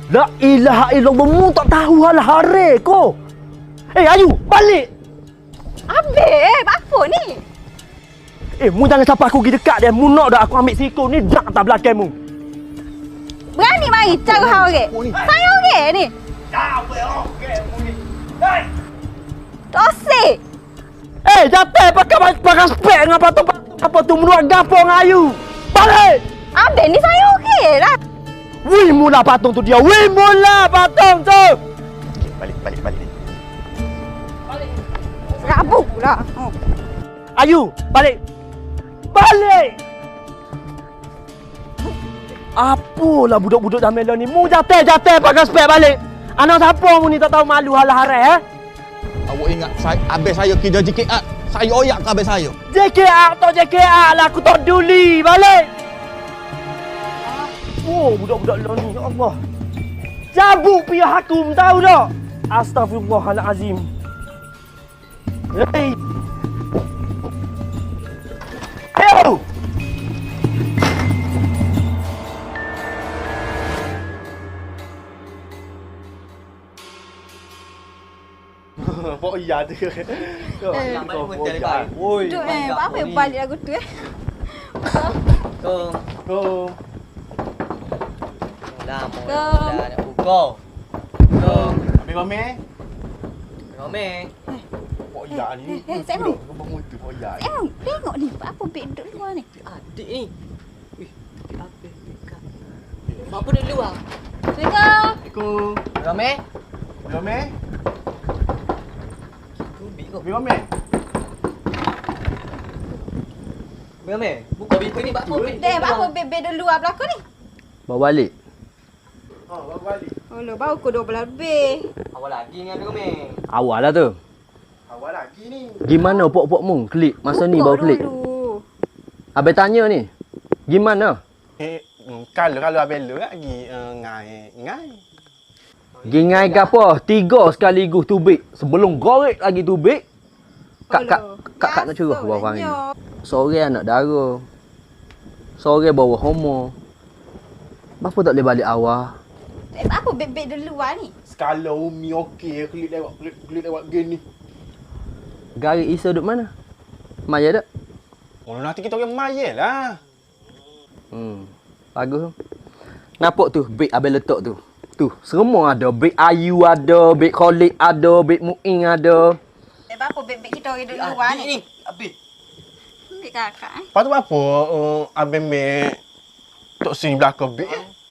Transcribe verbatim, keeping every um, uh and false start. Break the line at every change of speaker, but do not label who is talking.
La ilaha illallah, mu tak tahu hal hari ko. Eh, Ayu, balik.
Ambil, apa ni?
Eh, mu jangan sampai aku pergi dekat dia. Mu nak dah aku ambil siku ni, dak tak belakang mu.
Berani mari cara hang orang. Saya orang ni.
Tak apa okey mu ni. Hei.
Tosik.
Eh, jatuh pakai pakai spek dengan patung-patung apa tu menurut gapo dengan Ayu. Balik.
Ambil ni saya okey lah.
Wih, mula patung tu dia. Wih, mula patung tu. Okay, balik, balik, balik.
Rabuk pula. Oh.
Ayu, balik. Balik. Apalah budak-budak Jamila ni. Mu jatuh-jatuh pakai spek balik. Anak siapa mu ni tak tahu malu hal harai eh?
Awak ingat saya, habis saya kerja J K A, saya oyak ke habis saya?
J K A atau J K A lah, aku tak peduli. Balik. Oh, budak-budak lo ni, ya Allah. Cabut pihak hakum, tahu tak? Astaghfirullahalazim. Hei. Ayo. Pok iya tu.
Eh,
Kau
pun
pok
tak
iya.
baik.
Woi.
Duk eh, apa yang balik lagu tu eh?
Kong.
Kau.
Lama
Kong.
dah nak buka. Kong.
Ambil mami.
Rame.
Pok iya ni.
Eh, eh, saya mau.
Kau bangun tu pok iya.
Eh, tengok ni, apa beg duduk luar ni?
Adik ni. Wih, adik apa? Dekat. Apa dia luar?
Assalamualaikum.
Assalamualaikum.
Rame?
Mami.
Kubik kau.
Ambil mami.
Rame. Buka pintu ni apa?
Dek, apa beg-beg duduk luar belakang ni?
Bawa balik.
Oh, bawa balik.
Oh, lo baru pukul dua belas lebih.
Awal lagi dengan Rame.
Awal lah tu.
Awal lagi ni.
Gimana pok-pok mu klik masa ni
Buka
baru klik?
dulu.
Habis tanya ni. Gimana?
Eh, kalau kalau abang lu lagi ngai ngai.
Gingai ke apa? Tiga sekaligus tubik. Sebelum gorek lagi tubik. Kak kak kak kak nak curah bawah ni. Seorang anak dara. Seorang bawa homo. Kenapa tak boleh balik awal?
Eh, apa beg-beg duduk luar ni?
Skala Umi okey, klik lewat klik, klik lewat game ni.
Garik Isa duduk mana? Maya tak?
Oh, nanti kita orang maya lah.
Hmm. Bagus. Nampak tu beg abang letak tu. Tu, semua ada. Beg Ayu ada, beg Khalid ada, beg Muin ada.
Eh, apa beg-beg kita orang duduk luar
Adik
ni?
ni. Habis.
Beg kakak eh.
Lepas tu apa? Uh, abang mek tok sini belakang beg.